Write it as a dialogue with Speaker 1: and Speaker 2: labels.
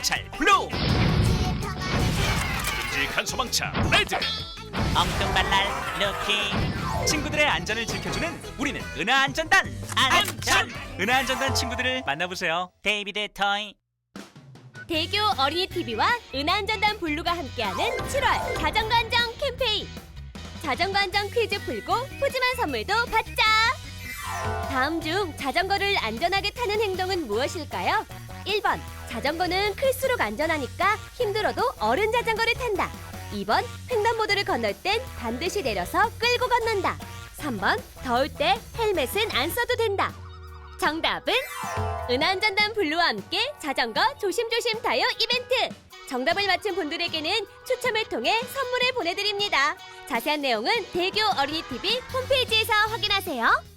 Speaker 1: 경찰 블루, 듬직한 소방차 레드,
Speaker 2: 엉뚱발랄 루키.
Speaker 1: 친구들의 안전을 지켜주는 우리는 은하안전단. 안전! 은하안전단 친구들을 만나보세요.
Speaker 2: 데이비드 토이.
Speaker 3: 대교 어린이 TV와 은하안전단 블루가 함께하는 7월 자전거 안전 캠페인. 자전거 안전 퀴즈 풀고 푸짐한 선물도 받자. 다음 중 자전거를 안전하게 타는 행동은 무엇일까요? 1번, 자전거는 클수록 안전하니까 힘들어도 어른 자전거를 탄다. 2번, 횡단보도를 건널 땐 반드시 내려서 끌고 건넌다. 3번, 더울 때 헬멧은 안 써도 된다. 정답은 은하안전단 블루와 함께 자전거 조심조심 타요 이벤트. 정답을 맞힌 분들에게는 추첨을 통해 선물을 보내드립니다. 자세한 내용은 대교 어린이TV 홈페이지에서 확인하세요.